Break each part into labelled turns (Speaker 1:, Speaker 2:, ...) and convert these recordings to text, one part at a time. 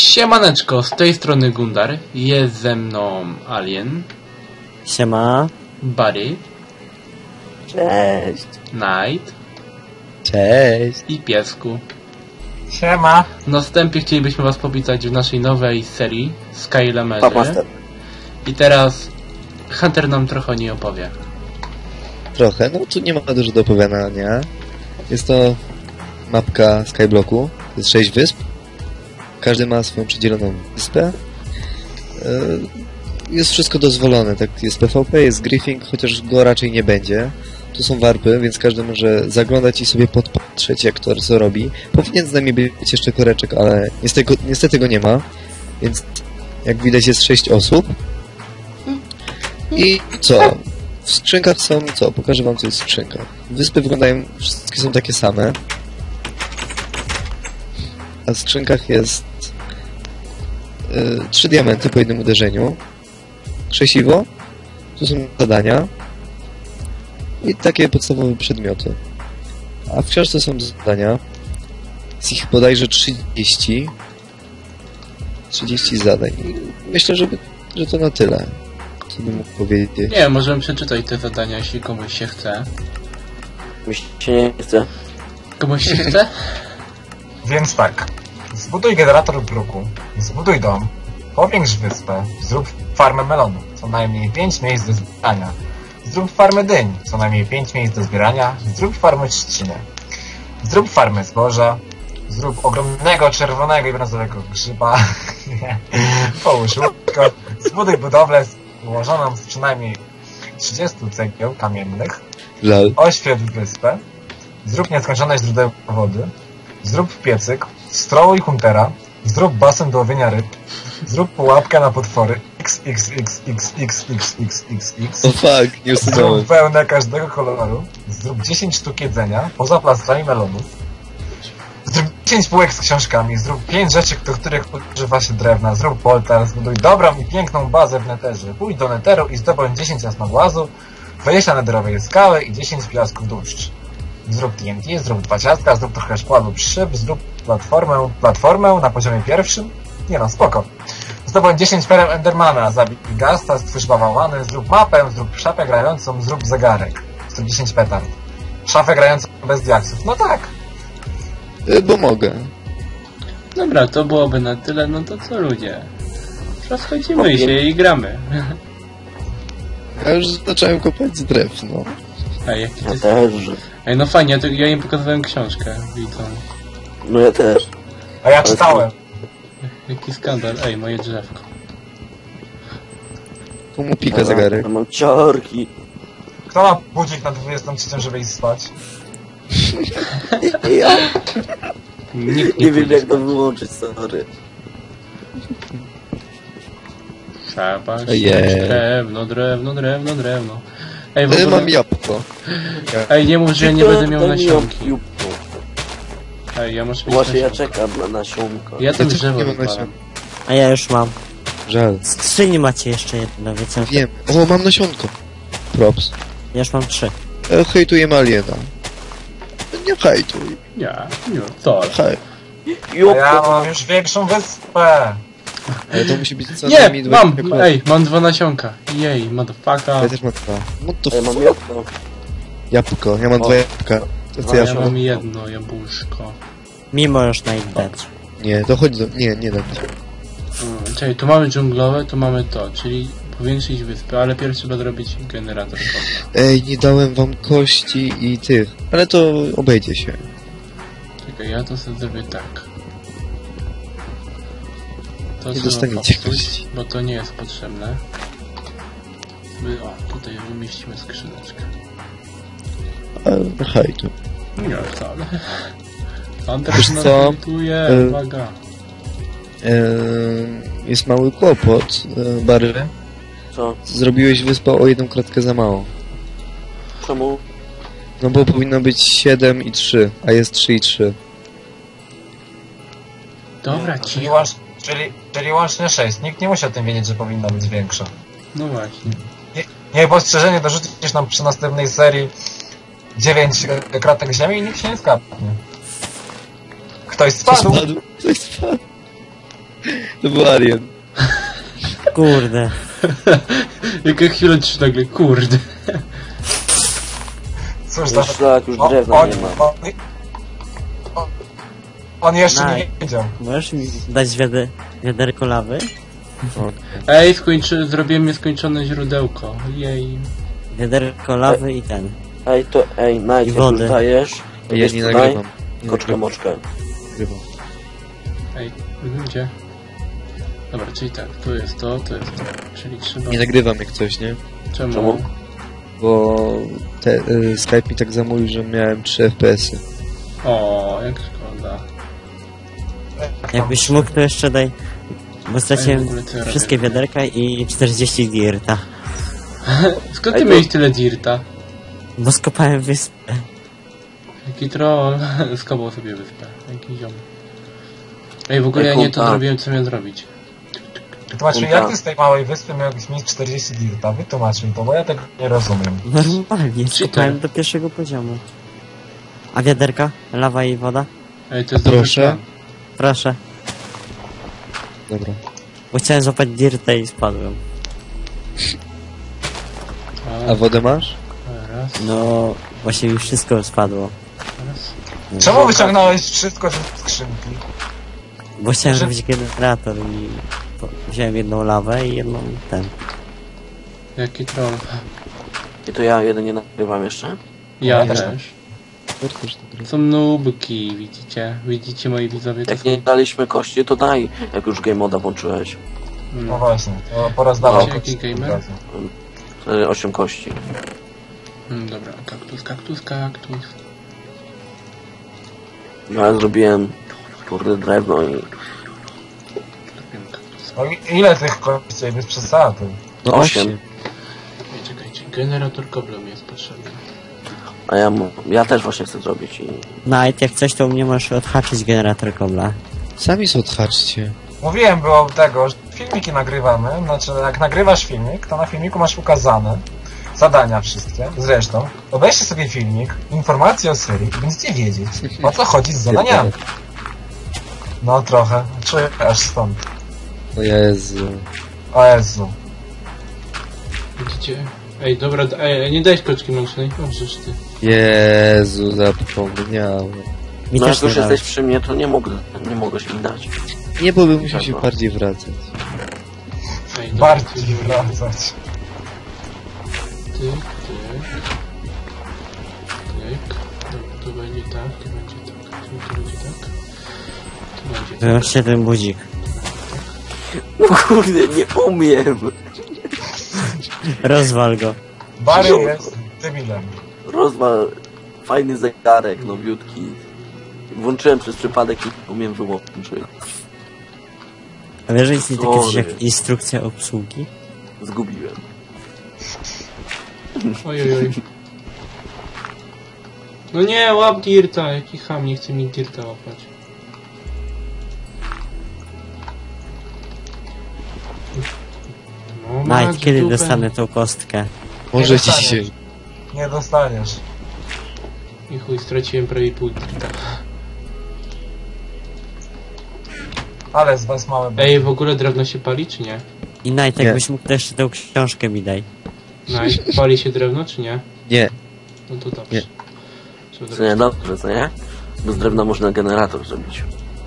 Speaker 1: Siemaneczko, z tej strony Gundar, jest ze mną Alien.
Speaker 2: Siema.
Speaker 1: Barry.
Speaker 2: Cześć.
Speaker 1: Night.
Speaker 2: Cześć.
Speaker 1: I Piesku.
Speaker 3: Siema.
Speaker 1: Na wstępie chcielibyśmy was powitać w naszej nowej serii Skylamerzy. I teraz Hunter nam trochę nie opowie.
Speaker 2: Trochę, no tu nie ma dużo do opowiadania. Jest to mapka Skyblocku. To jest 6 wysp. Każdy ma swoją przydzieloną wyspę. Jest wszystko dozwolone, tak? Jest PvP, jest griefing, chociaż go raczej nie będzie. Tu są warpy, więc każdy może zaglądać i sobie podpatrzeć, jak to co robi. Powinien z nami być jeszcze koreczek, ale niestety go nie ma. Więc jak widać jest 6 osób. I co? W skrzynkach są co? Pokażę wam, co jest w skrzynkach. Wyspy wyglądają, wszystkie są takie same. A w skrzynkach jest 3 diamenty po jednym uderzeniu. Krzesiwo. Tu są zadania. I takie podstawowe przedmioty. A w książce są zadania. Jest ich bodajże 30. 30 zadań. I myślę, że to na tyle. Co bym mógł powiedzieć.
Speaker 1: Nie, możemy przeczytać te zadania, jeśli komuś się chce.
Speaker 4: Mi się nie chce.
Speaker 1: Komuś się chce?
Speaker 3: Więc tak. Zbuduj generator bruku. Zbuduj dom. Powiększ wyspę. Zrób farmę melonu. Co najmniej 5 miejsc do zbierania. Zrób farmę dyń. Co najmniej 5 miejsc do zbierania. Zrób farmę trzciny. Zrób farmę zboża. Zrób ogromnego czerwonego i brązowego grzyba. Połóż łóżko. Zbuduj budowlę ułożoną z przynajmniej 30 cegieł kamiennych.
Speaker 2: Lol.
Speaker 3: Oświetl wyspę. Zrób nieskończone źródeł wody. Zrób piecyk. Strołuj huntera. Zrób basen do łowienia ryb. Zrób pułapkę na potwory. XXXXXXXX.
Speaker 2: O fuck, nie usunąłem.
Speaker 3: Zrób wełnę każdego koloru. Zrób 10 sztuk jedzenia. Poza plastrami melonów. Zrób 10 półek z książkami. Zrób 5 rzeczy, do których używa się drewna. Zrób poltar. Zbuduj dobrą i piękną bazę w neterze. Pójdź do neteru i zdobądź 10 jasnogłazu, 20 nederowej skały i 10 piasków dłuszcz. Zrób TNT, zrób 2 ciastka, zrób trochę szkła lub szyb, zrób platformę na poziomie pierwszym. Nie no, spoko. Zdobądź 10 pereł Endermana, zabij Gasta, stwórz bałwany, zrób mapę, zrób szafę grającą, zrób zegarek. Zrób 10 petard. Szafę grającą bez diaksów. No tak.
Speaker 2: Bo mogę.
Speaker 1: Dobra, to byłoby na tyle, no to co ludzie? Rozchodzimy się i gramy.
Speaker 2: Ja już zacząłem kopać z drewno.
Speaker 1: Ej, jaki
Speaker 4: Ja
Speaker 1: ty...
Speaker 4: też.
Speaker 1: Ej, no fajnie, ja im pokazałem książkę, widzą.
Speaker 4: No ja też.
Speaker 3: A ja czytałem.
Speaker 1: Jaki skandal, ej, moje drzewko.
Speaker 2: Tu mu pika zegarek.
Speaker 4: Ja mam ciarki.
Speaker 3: Kto ma budzik na 23, żeby iść spać?
Speaker 4: Ja
Speaker 1: Nikt
Speaker 4: nie wiem jak to wyłączyć, sorry.
Speaker 1: Trzeba
Speaker 2: Ojej.
Speaker 1: siać drewno. Ej, w ogóle...
Speaker 2: Mam jabłko.
Speaker 1: Ej, nie mów, że ja nie będę miał
Speaker 4: Daj mi
Speaker 1: nasionki.
Speaker 4: jabłko.
Speaker 1: Ej, ja muszę mieć
Speaker 4: Właśnie ja
Speaker 1: nasionka.
Speaker 4: czekam na nasionka.
Speaker 1: Ja tam
Speaker 2: Ja też
Speaker 1: drzewo
Speaker 2: nie mam
Speaker 1: wypalam.
Speaker 2: nasion.
Speaker 5: A ja już mam.
Speaker 2: Żal.
Speaker 5: Z skrzyni macie jeszcze jedno, wiecie?
Speaker 2: Wiem. O, mam nasionko. Props.
Speaker 5: Ja już mam 3.
Speaker 2: Hejtujemy aliena. Nie hejtuj.
Speaker 1: Nie, wcale.
Speaker 2: Hej.
Speaker 3: A ja
Speaker 4: Jabłko.
Speaker 3: mam już większą wyspę.
Speaker 2: Ale to musi być co
Speaker 1: Nie,
Speaker 2: najmniej
Speaker 1: mam!
Speaker 2: 20 klas.
Speaker 1: Ej, mam 2 nasionka. Jej, motherfucker.
Speaker 2: Ja też mam 2. What the
Speaker 4: Ja mam
Speaker 2: fuck?
Speaker 4: jabłko.
Speaker 2: Jabłko. Ja mam 2 jabłka. To co
Speaker 1: A
Speaker 2: ja
Speaker 1: ja
Speaker 2: mam?
Speaker 1: mam jedno jabłuszko.
Speaker 5: Mimo już na dać.
Speaker 2: Nie, to chodź do... Nie dam.
Speaker 1: Czekaj, tu mamy dżunglowe, tu mamy to, czyli powiększyć wyspę, ale pierwszy trzeba zrobić generator wodny.
Speaker 2: Ej, nie dałem wam kości i tych. Ale to obejdzie się.
Speaker 1: Czekaj, ja to sobie zrobię tak. To
Speaker 2: Nie
Speaker 1: trzeba
Speaker 2: dostaniecie
Speaker 1: popsuć,
Speaker 2: kości.
Speaker 1: bo to nie jest potrzebne. O, tutaj umieścimy skrzyneczkę.
Speaker 2: Hejtu.
Speaker 1: Nie, wcale. Hunter
Speaker 2: Wiesz
Speaker 1: nas
Speaker 2: co?
Speaker 1: hejtuje, uwaga.
Speaker 2: Jest mały kłopot, Barry.
Speaker 4: Co?
Speaker 2: Zrobiłeś wyspę o 1 kratkę za mało.
Speaker 4: Czemu?
Speaker 2: No bo powinno być 7 i 3, a jest 3 i 3.
Speaker 1: Dobra,
Speaker 3: Czyli,
Speaker 1: cicho.
Speaker 3: czyli łącznie 6. Nikt nie musi o tym wiedzieć, że powinna być większa.
Speaker 1: No właśnie.
Speaker 3: Niech postrzeżenie dorzucisz nam przy następnej serii 9 kratek ziemi i nikt się nie skapnie. Ktoś spadł.
Speaker 2: Ktoś spadł. To był Alien.
Speaker 5: Kurde.
Speaker 1: Jaka chwilę ci nagle, kurde.
Speaker 3: Cóż
Speaker 4: Już tak, już drewna nie ma.
Speaker 3: On jeszcze
Speaker 5: Naj.
Speaker 3: nie wiedział.
Speaker 5: Możesz mi dać wiaderko lawy?
Speaker 1: Ej, zrobiłem nieskończone źródełko. Jej.
Speaker 5: Wiaderko lawy i ten.
Speaker 4: Ej, Nike,
Speaker 5: I
Speaker 4: jak
Speaker 5: wody.
Speaker 4: już dajesz, to
Speaker 2: Ja
Speaker 4: weź
Speaker 2: nie
Speaker 4: tutaj
Speaker 2: nagrywam. Nie
Speaker 4: koczkę
Speaker 2: nagrywam.
Speaker 4: moczkę.
Speaker 2: Nagrywam.
Speaker 1: Ej, gdzie? Dobra, czyli tak, tu jest to. Czyli trzeba...
Speaker 2: Nie nagrywam jak coś, nie?
Speaker 1: Czemu?
Speaker 2: Bo Skype mi tak zamówił, że miałem 3 FPS-y.
Speaker 1: O, jak szkoda.
Speaker 5: Jakbyś mógł, to jeszcze daj. Bo
Speaker 1: Ej,
Speaker 5: straciłem
Speaker 1: w ogóle co ja
Speaker 5: wszystkie
Speaker 1: robię?
Speaker 5: wiaderka i 40 dirta.
Speaker 1: Skąd
Speaker 4: Ej,
Speaker 1: ty
Speaker 4: to-
Speaker 1: miałeś tyle dirta?
Speaker 5: Bo skopałem wyspę.
Speaker 1: Jaki troll. Skopał sobie wyspę. Jaki ziom. Ej, w ogóle
Speaker 4: Ej,
Speaker 1: ja nie to
Speaker 4: kumpa.
Speaker 1: zrobiłem, co miałem zrobić.
Speaker 3: Wytłumacz mi, jak ty z tej małej wyspy miałbyś mieć 40 dirta? Wytłumacz mi to, bo ja tego nie rozumiem.
Speaker 5: Normalnie, skopałem do pierwszego poziomu. A wiaderka? Lawa i woda?
Speaker 1: Ej, to jest
Speaker 2: Proszę.
Speaker 1: dobry plan.
Speaker 5: Proszę.
Speaker 2: Dobra.
Speaker 5: Bo chciałem złapać dirta i spadłem.
Speaker 2: A wodę masz?
Speaker 1: Raz,
Speaker 5: No, właśnie mi wszystko spadło.
Speaker 1: raz.
Speaker 3: Czemu wyciągnąłeś wszystko z skrzynki?
Speaker 5: Bo chciałem
Speaker 3: Że-
Speaker 5: zrobić generator i wziąłem jedną lawę i jedną ten.
Speaker 1: Jaki troll.
Speaker 4: I to ja jeden nie nagrywam jeszcze.
Speaker 1: Ja
Speaker 3: Ja też
Speaker 1: też.
Speaker 2: Ja też nagrywam.
Speaker 1: Są nubki, widzicie? Widzicie, moi widzowie, to
Speaker 4: Jak
Speaker 1: są...
Speaker 4: nie daliśmy kości, to daj, jak już game moda włączyłeś.
Speaker 3: No
Speaker 1: No.
Speaker 3: właśnie, to porozdawał.
Speaker 1: Wiecie, jaki gamer?
Speaker 4: 8 kości.
Speaker 1: Dobra, kaktus.
Speaker 4: No ja zrobiłem kurde drewno i
Speaker 1: Zrobiłem kaktusa.
Speaker 3: No ile tych kości bez przesady?
Speaker 2: No
Speaker 4: 8.
Speaker 2: 8.
Speaker 1: Ej, czekajcie, generator kobla mi jest potrzebny.
Speaker 4: A ja też właśnie chcę zrobić i
Speaker 5: Night, jak coś, to u mnie możesz odhaczyć generator kobla.
Speaker 2: Sami sobie odhaczcie.
Speaker 3: Mówiłem było tego, że filmiki nagrywamy, znaczy jak nagrywasz filmik, to na filmiku masz ukazane zadania wszystkie. Zresztą, obejrzcie sobie filmik, informacje o serii i będziecie wiedzieć, o co chodzi z zadaniami. No trochę, czuję aż stąd.
Speaker 2: O Jezu.
Speaker 3: O Jezu.
Speaker 1: Widzicie? Ej, dobra, ej, nie dajesz koczki mącznej. O, żeż ty.
Speaker 2: Jezu, zapomniałem.
Speaker 5: Mi
Speaker 4: no
Speaker 5: też
Speaker 4: jak już
Speaker 5: nie
Speaker 4: jesteś
Speaker 5: dałeś.
Speaker 4: przy mnie, to nie mogłeś mi dać.
Speaker 2: Nie, bo bym musiał się
Speaker 4: Dobra.
Speaker 2: bardziej wracać.
Speaker 1: Ej, dobra,
Speaker 3: Bardziej
Speaker 1: ty,
Speaker 3: wracać.
Speaker 1: Tyk. Dobra, to będzie tak, to będzie tak, to będzie tak. To będzie tak.
Speaker 5: Wyłączcie ten budzik.
Speaker 4: No kurde, nie umiem.
Speaker 5: Rozwal go.
Speaker 3: Barry jest debilem.
Speaker 4: Rozwal fajny zegarek, nowiutki. Włączyłem przez przypadek i umiem wyłączyć.
Speaker 5: A wiesz, że istnieje takie coś
Speaker 4: Sorry.
Speaker 5: jak instrukcja obsługi?
Speaker 4: Zgubiłem.
Speaker 1: Ojojoj. No nie, łap dirta, jaki ham, nie chce mi dirta łapać. No,
Speaker 5: Night,
Speaker 1: masz
Speaker 5: kiedy
Speaker 1: dupę.
Speaker 5: dostanę tą kostkę?
Speaker 2: Może
Speaker 3: Nie
Speaker 2: ci
Speaker 3: dostaniesz.
Speaker 2: dzisiaj.
Speaker 3: Nie dostaniesz.
Speaker 1: I chuj, straciłem prawie pół dirta.
Speaker 3: Ale z was małe.
Speaker 1: Ej, w ogóle drewno się pali, czy nie?
Speaker 5: I Night,
Speaker 2: Nie.
Speaker 5: jakbyś mógł to jeszcze tę książkę mi daj.
Speaker 1: Night, pali się drewno, czy nie?
Speaker 2: Nie.
Speaker 1: No to dobrze.
Speaker 2: Nie.
Speaker 1: Trzeba
Speaker 4: Co nie,
Speaker 1: zrobić.
Speaker 4: dobrze, co nie? Bo z drewna można generator zrobić.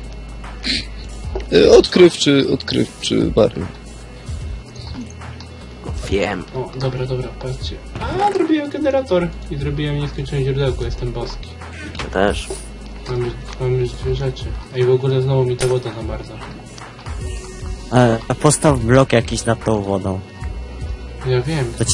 Speaker 2: Odkrywczy Barry.
Speaker 4: Wiem.
Speaker 1: O, dobra, patrzcie. A, zrobiłem generator. I zrobiłem nieskończone źródełko, jestem boski.
Speaker 4: Ja też.
Speaker 1: Mam już 2 rzeczy. Ej, w ogóle znowu mi ta woda zamarza.
Speaker 5: A postaw blok jakiś nad tą wodą.
Speaker 1: Ja wiem.
Speaker 5: To ci...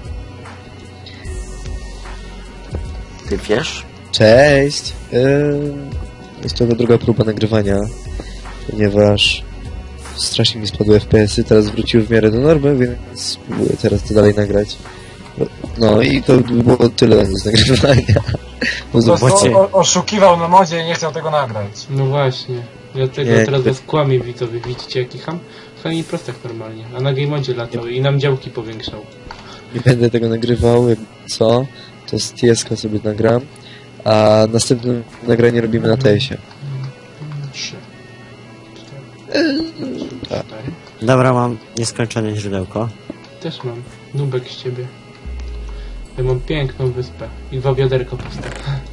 Speaker 4: Ty wiesz?
Speaker 2: Cześć. Jest to druga próba nagrywania, ponieważ strasznie mi spadły FPS-y, teraz wróciły w miarę do normy, więc spróbuję teraz to dalej nagrać. No i to by było tyle z nagrywania.
Speaker 3: Po
Speaker 2: Zobaczcie.
Speaker 3: prostu oszukiwał na modzie i nie chciał tego nagrać.
Speaker 1: No właśnie. Dlatego
Speaker 2: Nie,
Speaker 1: teraz
Speaker 2: to-
Speaker 1: was kłamie, widzowie. Widzicie jaki ham? Fajnie prostak normalnie. A na Gamemodzie latał i nam działki powiększał.
Speaker 2: Nie będę tego nagrywał, jak co, to z TS-ka sobie nagram, a następne nagranie robimy na TS-ie.
Speaker 1: 3.
Speaker 2: Tak.
Speaker 1: 4.
Speaker 5: Dobra, mam nieskończone źródełko.
Speaker 1: Też mam. Nubek z ciebie. Ja mam piękną wyspę. I 2 wiaderka puste.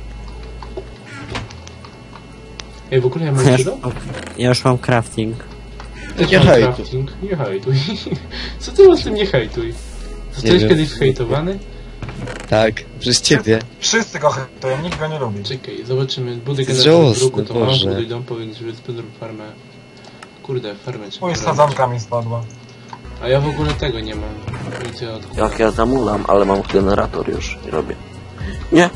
Speaker 1: Ej, w ogóle ja mam źródeł?
Speaker 5: Ja już mam crafting.
Speaker 1: Też
Speaker 2: Nie
Speaker 1: mam
Speaker 2: hejtuj.
Speaker 1: crafting. Nie hejtuj. Co ty masz z tym nie hejtuj? Zostałeś
Speaker 2: wiem.
Speaker 1: kiedyś hejtowany?
Speaker 2: Tak, przez ciebie.
Speaker 3: Wszyscy go hejtują, nikt go nie lubi.
Speaker 1: Czekaj, zobaczymy. Budy
Speaker 2: To jest
Speaker 1: generator
Speaker 2: żałosne,
Speaker 1: bruku, to masz,
Speaker 2: Boże.
Speaker 1: buduj dom, powiedz wyspę, zrób farmę. Kurde, farmę trzeba
Speaker 3: Mój
Speaker 1: robić.
Speaker 3: sadzonka mi spadła.
Speaker 1: A ja w ogóle tego nie mam. Nic ja odkładam.
Speaker 4: Jak ja zamulam, ale mam generator już i robię. Nie!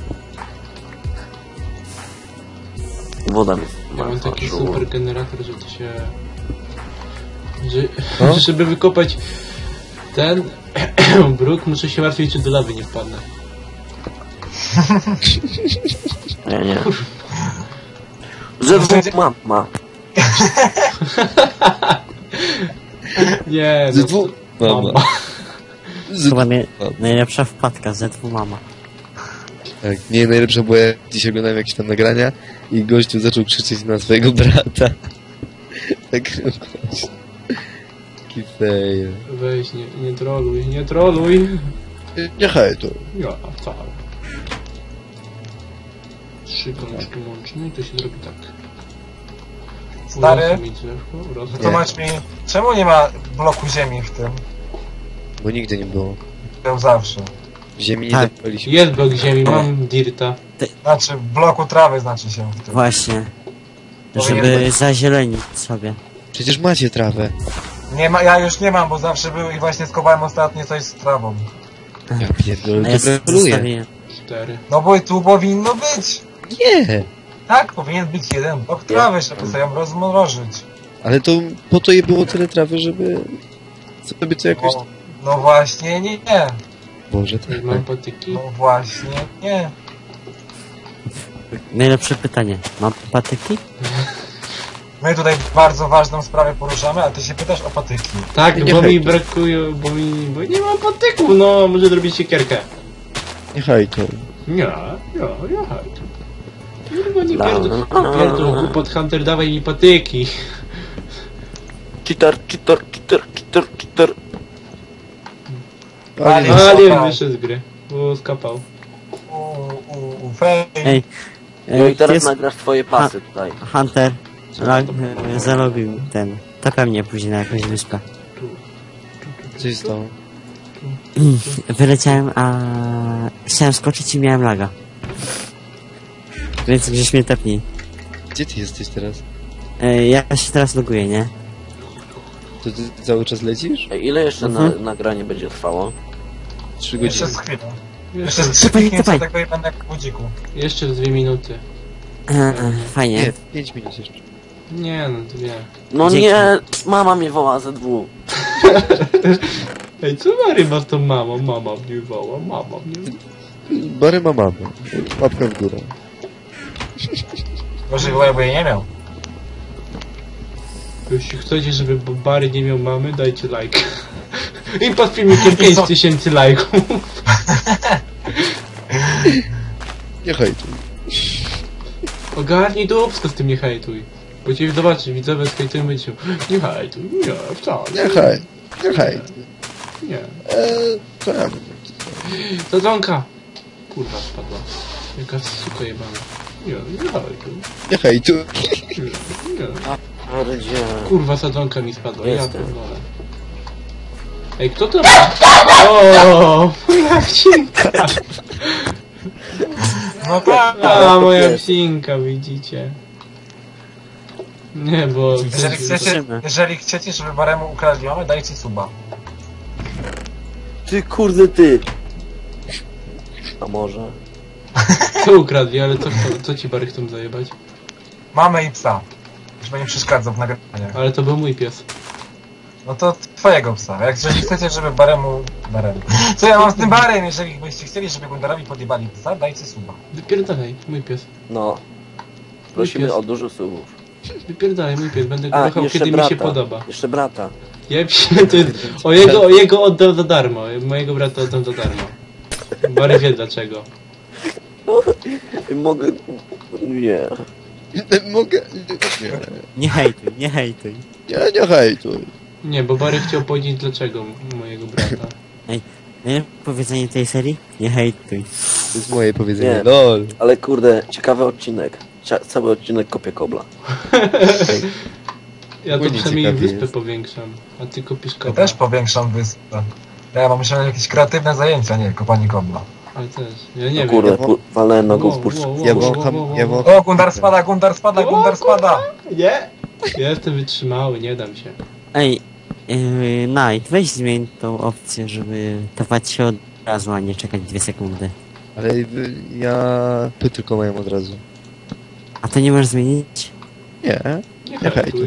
Speaker 4: Woda mi
Speaker 1: Ja mam taki
Speaker 4: zmarła.
Speaker 1: super generator, że to się... Że,
Speaker 2: No.
Speaker 1: żeby wykopać ten bruk, muszę się martwić, czy do lawy nie wpadnę.
Speaker 4: Nie. ZW mama.
Speaker 1: Nie,
Speaker 2: Z dwóch... Mama. Z...
Speaker 5: Chyba najlepsza wpadka, ZW mama.
Speaker 2: Tak, nie, najlepsze było, jak dzisiaj oglądałem jakieś tam nagrania i gościu zaczął krzyczeć na swojego brata. Tak gość. Taki fail.
Speaker 1: Weź, nie troluj, nie troluj.
Speaker 2: Nie hejtuj.
Speaker 1: Ja, wcale. 3 koleczki łączne i to się zrobi tak.
Speaker 3: Stary,
Speaker 1: Urosło mi drzewko, urosło.
Speaker 3: wytłumacz mi, czemu nie ma bloku ziemi w tym?
Speaker 2: Bo nigdy nie było.
Speaker 3: Był zawsze.
Speaker 2: W ziemi nie
Speaker 5: Tak.
Speaker 2: zapaliśmy.
Speaker 1: Jest blok ziemi, mam dirta.
Speaker 3: Znaczy, w bloku trawy znaczy się w tym.
Speaker 5: Właśnie.
Speaker 3: Powinien
Speaker 5: Żeby
Speaker 3: być.
Speaker 5: zazielenić sobie.
Speaker 2: Przecież macie trawę.
Speaker 3: Nie ma, ja już nie mam, bo zawsze był i właśnie skopałem ostatnio coś z trawą.
Speaker 2: Ja
Speaker 5: A
Speaker 2: pierdolę,
Speaker 5: ja
Speaker 2: to gratuluję.
Speaker 5: zostawiłem.
Speaker 1: 4.
Speaker 3: No bo tu powinno być.
Speaker 2: Nie!
Speaker 3: Tak, powinien być jeden blok trawy, żeby sobie ją rozmrożyć.
Speaker 2: Ale to po to je było tyle trawy, żeby sobie to jakoś...
Speaker 3: No właśnie nie.
Speaker 2: Boże, tak.
Speaker 1: Mam patyki.
Speaker 3: No właśnie nie.
Speaker 5: Najlepsze pytanie. Mam patyki?
Speaker 3: My tutaj bardzo ważną sprawę poruszamy, a ty się pytasz o patyki.
Speaker 1: Tak,
Speaker 2: Nie
Speaker 1: bo mi
Speaker 2: hejtuj.
Speaker 1: brakuje, bo nie mam patyków, no, może zrobić siekierkę.
Speaker 2: Nie hejtuj.
Speaker 1: Nie hejtuj. Kurwa, nie pierdol, głupot Hunter, dawaj mi patyki.
Speaker 4: Cheater.
Speaker 3: Ale-
Speaker 1: Alien wyszedł z gry, bo skapał.
Speaker 3: Fej.
Speaker 5: Ej.
Speaker 4: No i teraz
Speaker 5: jest
Speaker 4: nagrasz twoje pasy tutaj.
Speaker 5: Hunter. Zalobił ten. Tapia mnie później na jakąś wyspę.
Speaker 2: Co się stało?
Speaker 5: Wyleciałem, a chciałem skoczyć i miałem laga. Więc gdzieś mnie tepnij.
Speaker 2: Gdzie ty jesteś teraz?
Speaker 5: Ja się teraz loguję, nie?
Speaker 2: To ty cały czas lecisz?
Speaker 4: Ej, ile jeszcze
Speaker 5: Mhm.
Speaker 4: nagranie będzie trwało?
Speaker 2: 3
Speaker 3: Jeszcze
Speaker 2: godziny.
Speaker 3: z chwilą.
Speaker 1: Jeszcze,
Speaker 3: Jeszcze z 3
Speaker 5: Typaj,
Speaker 3: kliknięcia
Speaker 5: typaj.
Speaker 3: tego i będę jak w budziku.
Speaker 1: jeszcze 2 minuty.
Speaker 5: Fajnie.
Speaker 2: Nie, 5 minut jeszcze.
Speaker 1: Nie, no to nie.
Speaker 4: No
Speaker 5: Dzięki.
Speaker 4: nie, mama mnie woła ZW.
Speaker 1: Ej, co Mary ma z tą mamą? Mama mnie woła, mama mnie...
Speaker 2: Bary ma mamę. Łapka w górę.
Speaker 3: Może bo jej nie miał.
Speaker 1: Jeśli chcecie, żeby Bary nie miał mamy, dajcie like. I pod filmikiem 5000 lajków.
Speaker 2: Nie hejtuj.
Speaker 1: Ogarnij dupsko z tym nie hejtuj. Bo cię zobaczy, widzowie skajtują będzie nie hejtuj, nie, wcale.
Speaker 2: Nie hej. Nie hejtuj.
Speaker 1: Nie.
Speaker 2: Co ja mówię?
Speaker 1: Sadzonka! Kurwa spadła. Jaka suka jebana. Nie hejtuj.
Speaker 2: Nie hejtuj.
Speaker 1: Nie.
Speaker 4: Ardzie.
Speaker 1: Kurwa sadzonka mi spadła, ja
Speaker 4: Jestem.
Speaker 1: pierdolę. Ej, kto to ma? O, moja psinka!
Speaker 3: No tak.
Speaker 1: A, moja psinka, widzicie? Nie, bo...
Speaker 3: Jeżeli chcecie, żeby Baremu ukradli mamy, dajcie suba.
Speaker 4: Ty kurde ty. A może?
Speaker 1: Co ukradli, ale co ci Bary chcą zajebać?
Speaker 3: Mamy i psa. Żeby nie przeszkadzał w nagraniach.
Speaker 1: Ale to był mój pies.
Speaker 3: No to twojego psa. Jak jeżeli chcecie, żeby Baremu... Co ja mam z tym Barem? Jeżeli byście chcieli, żeby Gundarowi podjebali psa, dajcie suba.
Speaker 1: Wypierdalaj, mój pies.
Speaker 4: No. Prosimy
Speaker 1: pies.
Speaker 4: o dużo słów.
Speaker 1: Wypierdalaj, mój pies, będę go
Speaker 4: A,
Speaker 1: kochał,
Speaker 4: jeszcze
Speaker 1: kiedy
Speaker 4: brata.
Speaker 1: mi się podoba.
Speaker 4: Jeszcze brata.
Speaker 1: Ja się, to jest, o jego oddam za darmo, mojego brata oddam za darmo. Bary wie dlaczego.
Speaker 4: Mogę... Nie.
Speaker 2: Mogę... Nie,
Speaker 5: Nie hejtuj, nie hejtuj.
Speaker 2: nie hejtuj.
Speaker 1: Nie, bo Bary chciał powiedzieć dlaczego mojego brata.
Speaker 5: Najlepsze powiedzenie tej serii? Nie hejtuj.
Speaker 2: To jest moje powiedzenie,
Speaker 4: Nie.
Speaker 2: lol.
Speaker 4: Ale kurde, ciekawy odcinek. Cały odcinek kopie kobla.
Speaker 1: Ja to
Speaker 2: Płynie
Speaker 1: przynajmniej
Speaker 2: ciekawie
Speaker 1: wyspę
Speaker 2: jest.
Speaker 1: powiększam, a ty kopisz
Speaker 3: Ja
Speaker 1: kobla.
Speaker 3: też powiększam wyspę. Ja mam myślę jakieś kreatywne zajęcia, nie kopanie kobla.
Speaker 1: Ale też, ja nie
Speaker 4: No
Speaker 1: wiem.
Speaker 4: kurde,
Speaker 2: ja wą-
Speaker 4: walnąłem nogą w
Speaker 1: Wow,
Speaker 4: burz.
Speaker 1: wow, wow,
Speaker 2: Ja
Speaker 1: wow,
Speaker 2: wącham,
Speaker 1: wow, wow,
Speaker 2: ja
Speaker 1: wow.
Speaker 2: wącham...
Speaker 3: O, Gundar spada, Gundar spada, Gundar spada!
Speaker 1: Nie! Ja jestem wytrzymały, nie dam się.
Speaker 5: Ej, Night, weź zmień tą opcję, żeby dawać się od razu, a nie czekać 2 sekundy.
Speaker 2: Ale ja... Tu tylko mają od razu.
Speaker 5: A to nie możesz zmienić?
Speaker 2: Nie.
Speaker 1: Nie
Speaker 2: Nie
Speaker 1: hejtuj.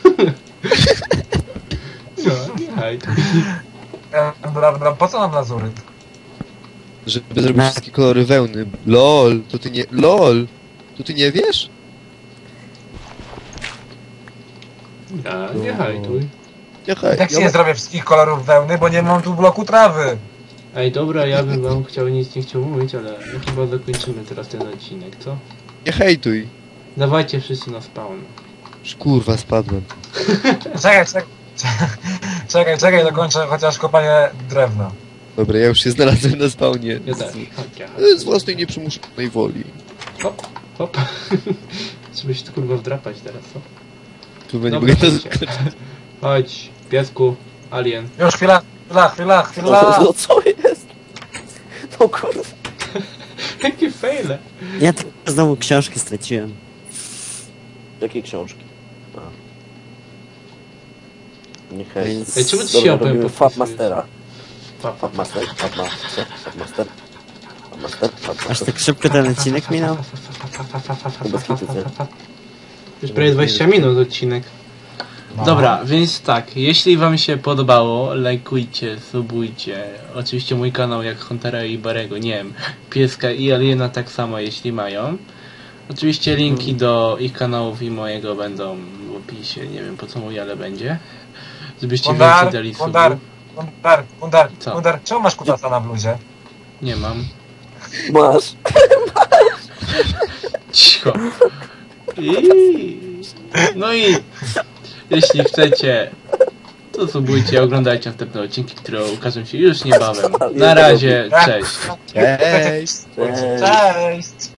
Speaker 1: No, nie hejtuj.
Speaker 3: Dobra, po co nam lazuryt?
Speaker 2: Żeby zrobić wszystkie kolory wełny. LOL, to ty nie... LOL! To ty nie wiesz?
Speaker 1: Ja, nie hejtuj.
Speaker 2: Nie hej.
Speaker 3: Jak się nie zrobię wszystkich kolorów wełny, bo nie mam tu bloku trawy.
Speaker 1: Ej, dobra, ja bym wam nic nie chciał mówić, ale chyba zakończymy teraz ten odcinek, co?
Speaker 2: Nie hejtuj.
Speaker 1: Dawajcie wszyscy na spawn.
Speaker 2: Już kurwa spadłem.
Speaker 3: Czekaj, dokończę chociaż kopanie drewna.
Speaker 2: Dobra, ja już się znalazłem na spawnie.
Speaker 1: Ja też. Chodź, ja.
Speaker 2: Z własnej nieprzymuszonej woli.
Speaker 1: Hop, hop. Trzeba się tu kurwa wdrapać teraz, co?
Speaker 2: Kurwa, nie
Speaker 1: Dobra,
Speaker 2: mogę to
Speaker 1: chodźcie.
Speaker 2: zakończyć.
Speaker 1: Chodź, piesku, alien.
Speaker 3: Już chwila.
Speaker 4: No co jest? No kurde.
Speaker 1: Jakie fejle.
Speaker 5: Ja tylko znowu książki straciłem.
Speaker 4: Jakie książki? A. Nie hej.
Speaker 5: Więc-
Speaker 1: Ej, czemu ty
Speaker 4: Dobra,
Speaker 1: się opem
Speaker 4: robimy
Speaker 1: podpisujesz?
Speaker 4: Fabmastera.
Speaker 1: Fab.
Speaker 4: Fabmaster.
Speaker 5: Aż tak szybko ten odcinek minął?
Speaker 1: Już prawie 20 minut odcinek.
Speaker 3: No.
Speaker 1: Dobra, więc tak, jeśli wam się podobało, lajkujcie, subujcie. Oczywiście mój kanał jak Huntera i Barego, nie wiem, Pieska i Aliena tak samo jeśli mają. Oczywiście linki do ich kanałów i mojego będą w opisie, nie wiem po co mój, ale będzie. Żebyście więcej dali subów. Co?
Speaker 3: Gundar, czemu masz kutasa na bluzie?
Speaker 1: Nie mam.
Speaker 4: Masz.
Speaker 1: Cicho. No i jeśli chcecie, to subujcie, oglądajcie następne odcinki, które ukażą się już niebawem. Na razie, cześć.
Speaker 2: Cześć!
Speaker 4: Cześć.
Speaker 3: Cześć!